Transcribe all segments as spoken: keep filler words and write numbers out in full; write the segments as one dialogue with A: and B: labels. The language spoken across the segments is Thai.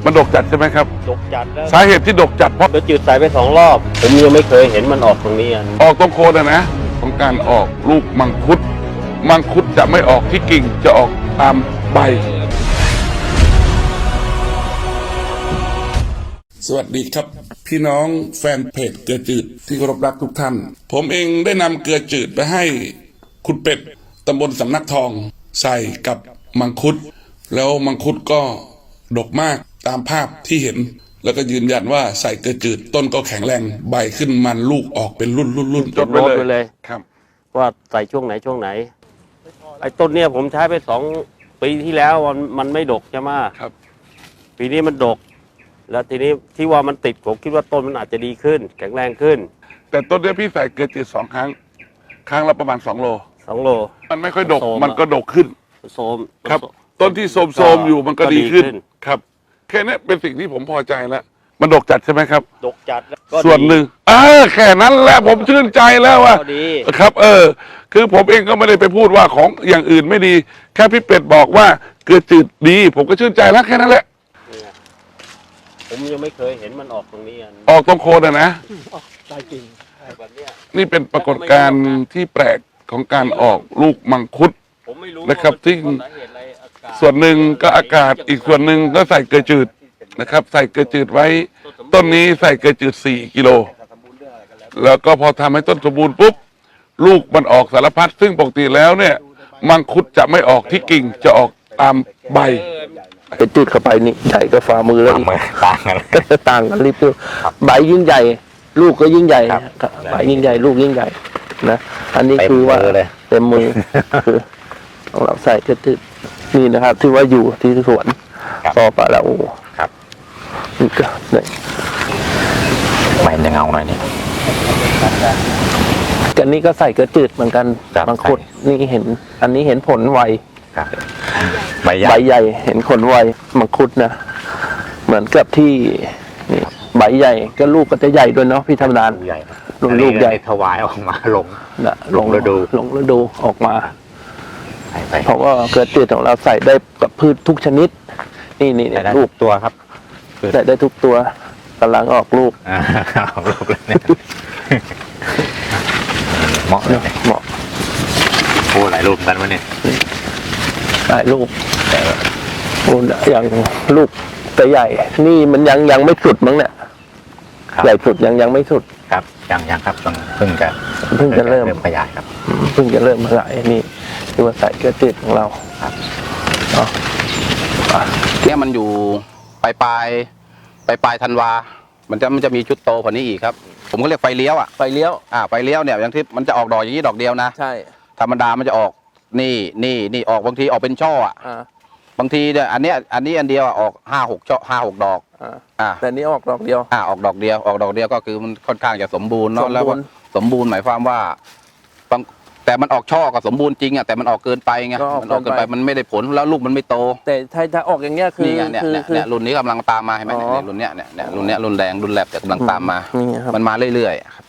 A: มันดกจัดใช่ไหมครับ
B: ดกจัดแล้ว
A: สาเหตุที่ดกจัดเพราะ
B: เดือจืดใส่ไปสองรอบผมยังไม่เคยเห็นมันออกตรงนี้
A: ออกตรงโคนนะของการออกลูกมังคุดมังคุดจะไม่ออกที่กิ่งจะออกตามใบสวัสดีครับพี่น้องแฟนเพจเกลือจืดที่เคารพรักทุกท่านผมเองได้นำเกลือจืดไปให้คุณเป็ดตำบลสำนักทองใส่กับมังคุดแล้วมังคุดก็ดกมากตามภาพที่เห็นแล้วก็ยืนยันว่าใส่เกลือจืดต้นก็แข็งแรงใบขึ้นมันลูกออกเป็นรุ่นรุ่นรุ่น
B: จดโน้ตไปเลย
A: ครับ
B: ว่าใส่ช่วงไหนช่วงไหนไอ้ต้นเนี้ยผมใช้ไปสองปีที่แล้วมันมันไม่ดกใช่ไหม
A: ครับ
B: ปีนี้มันดกแล้วทีนี้ที่ว่ามันติดผมคิดว่าต้นมันอาจจะดีขึ้นแข็งแรงขึ้น
A: แต่ต้นเนี้ยพี่ใส่เกลือจืดสองครั้งครั้งละประมาณสองโล
B: สองโล
A: มันไม่ค่อยดกมันก็ดกขึ้น
B: โสม
A: ครับต้นที่โสมโสมอยู่มันก็ดีขึ้นครับแค่นี้เป็นสิ่งที่ผมพอใจแล้วมันดกจัดใช่ไหมครับ
B: ดกจัดแล้ว
A: ส่วนหนึ่งเออแค่นั้นแหละผมชื่นใจแล้วว่าครับ เออคือผมเองก็ไม่ได้ไปพูดว่าของอย่างอื่นไม่ดีแค่พี่เป็ดบอกว่าเกลือจืดดีผมก็ชื่นใจแล้วแค่นั้นแหละ
B: ผมยังไม่เคยเห็นมันออกตรงนี้
A: ออกตรงโคนนะนะ
B: ใช่จริงแบบนี้
A: นี่เป็นปรากฏการณ์ที่แปลกของการออกลูกมังคุดนะครับที่ส่วนหนึ่งก็อากาศอีกส่วนหนึ่งก็ใส่เกลือจืดนะครับใส่เกลือจืดไว้ต้นนี้ใส่เกลือจืดสี่กิโลแล้วก็พอทำให้ต้นสมบูรณ์ปุ๊บลูกมันออกสารพัดซึ่งปกติแล้วเนี่ยมังคุดจะไม่ออกที่กิ่งจะออกตามใบ
C: ไปจุดเข้าไปนี่ใหญ่ก็ฝ่ามือแล้ว
D: ต่างกัน
C: ต่างกันรีบดูใบยิ่งใหญ่ลูกก็ยิ่งใหญ่ใบยิ่งใหญ่ลูกยิ่งใหญ่นะอันนี้คือว่าเต็มมือคือของเราใส่ก็จืดนี่นะครับที่ว่าอยู่ที่สวนต่อไปแล้วโอ้
D: ครับ
C: นี่ก็เนี่ย
D: ใบจะเงาหน่อยนี่
C: กันนี้ก็ใส่กระจืดเหมือนกันบางคนนี่เห็นอันนี้เห็นผลไว
D: ใบใหญ่
C: ใบใหญ่เห็นผลไวมังคุดนะเหมือนกับที่นี่ใบใหญ่ก็ลูกก็จะใหญ่ด้วยเนาะพี่ธรรมดา
D: ใหญ่
C: ลงลูกใหญ่
D: ถวายออกมาลง
C: นะลงฤดูลงฤดูออกมาเพราะว่าเกลือจืดของเราใส่ได้กับพืชทุกชนิดนี่นี่
D: ลูกตัวครับ
C: ใส่ได้ทุกตัวกำลังออกลูก
D: ออกลูกเลยเนี่ยเหมาะเลย
C: เหมาะ
D: โอ้หลายลูกกันวะเนี่ย
C: หลายลูกโอ้อย่างลูกแต่ใหญ่นี่มันยังยังไม่สุดมั้งเนี่ยใหญ่สุดยังยังไม่สุด
D: ครับยังยังครับต้องเพิ่งจะ
C: เพิ่งจะเริ่ม
D: ขยายครับ
C: เพิ่งจะเริ่มขยายนี่คือว่าใส่เกลือจืดของเรา
D: ครับ
E: เนี่ยมันอยู่ปลายปลายปลายปลายธันวามันจะมันจะมีชุดโตกว่านี้อีกครับผมก็เรียกไฟเลี้ยวอ่ะ
C: ไฟเลี้ยว
E: อ่าไฟเลี้ยวเนี่ยอย่างที่มันจะออกดอกอย่างนี้ดอกเดียวนะ
C: ใช่
E: ธรรมดามันจะออกนี่นี่นี่ออกบางทีออกเป็นช่ออ่ะบางทีเนี่ยอันเนี้ยอันนี้อันเดียวออกห้าหกช่อห้าหกดอก
C: อ่าแต่นี้ออกดอกเดียว
E: อ่าออกดอกเดียวออกดอกเดียวก็คือมันค่อนข้างจะสมบูรณ์เนาะแล้วสมบูรณ์หมายความว่าบางแต่มันออกช่อก็สมบูรณ์จริงอ่ะแต่มันออกเกินไปไงมันออกเกินไปมันไม่ได้ผลแล้วลูกมันไม่โต
C: แต่ถ้าถ้าออกอย่างเงี้ยคือ
E: เนี่ยเนี่ยเนี่ยรุ่นนี้กำลังตามมาเห็นไหมเนี่ยรุ่นเนี้ยเนี่ยรุ่นเนี้ยรุ่นแดงรุ่นแลบแต่กำลังตามมามันมาเรื่อยๆครับ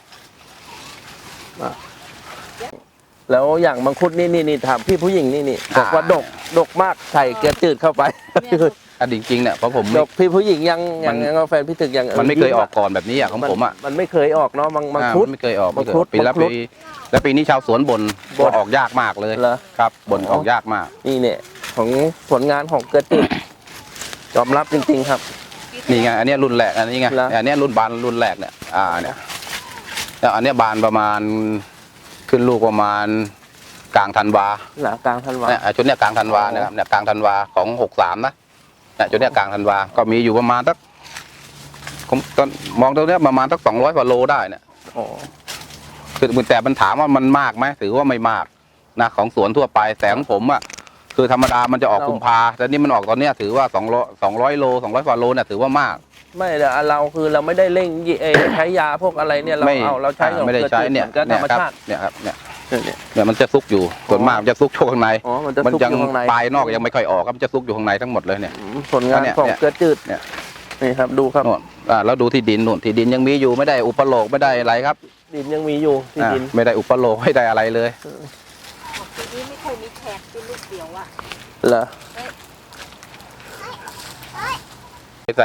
C: แล้วอย่างมังคุดนี่นี่นี่ถามพี่ผู้หญิงนี่นี่บอกว่าดกดกมากใส่เกลือจืดเข้าไป
E: อันจริงๆเนี่ยเพราะผม
C: ดกพี่ผู้หญิงยังยังยังแฟนพี่ถึกยัง
E: มันไม่เคยออกก่อนแบบนี้อ่ะของผมอ่ะ
C: มันไม่เคยออกเนาะมังคุด
E: ไม่เคยออกไม่เคยปีแล้วปีแล้วปีนี้ชาวสวนบ่นบ่นออกยากมากเลยครับบ่นออกยากมาก
C: นี่เนี่ยของผลงานของเกลือจืดยอมรับจริงๆครับ
E: นี่ไงอันนี้รุ่นแรกอันนี้ไงอันนี้รุ่นบานรุ่นแรกเนี่ยอ่าเนี่ยแล้วอันนี้บานประมาณขึ้นลูกประมาณกลางธันวา
C: หลังกลางธันวา
E: เนี่ยชุดเนี้ยกลางธันวาเนี่ยครับเนี่ยกลางธันวาของหกสามนะเนี่ยชุดเนี้ยกลางธันวาก็มีอยู่ประมาณสักผมตอนมองตรงเนี้ยประมาณสักสองร้อยกว่าโลได้เนี่ย
C: โอ้
E: คือแต่มันถามว่ามันมากไหมถือว่าไม่มากนะของสวนทั่วไปแต่ของผมอ่ะคือธรรมดามันจะออกกุมภาแต่นี่มันออกตอนเนี้ยถือว่าสองร้อยสองร้อยโลสองร้อยกว่าโลเนี่ยถือว่ามาก
C: ไม่แต่เราคือเราไม่ได้เร่งใช้ยาพวกอะไรเนี่ยเราเอาเราใช้
E: ไม่ได้ใช้เนี่ยก็ธรรมชาติเนี่ยครับเนี่ยเนี่ยมันจะซุกอยู่ส่วนมากจะซุกช่วงข้างใน
C: มัน
E: ยังปลายนอกยังไม่ค่อยออกครับจะซุกอยู่ข้างในทั้งหมดเลยเนี่ย
C: ผลงานของเกลือจืดเนี่ยนี่ครับดูครับ
E: อ่าแล้วดูที่ดินนู่นที่ดินยังมีอยู่ไม่ได้อุปโลกไม่ได้อะไรครับ
C: ดินยังมีอยู่ที่ดิน
E: ไม่ได้อุปโลกไม่ได้อะไรเลย
F: ทีนี้ไม่เคยมีแขกเป็นลูกเดียวอ่ะ
C: เหรอ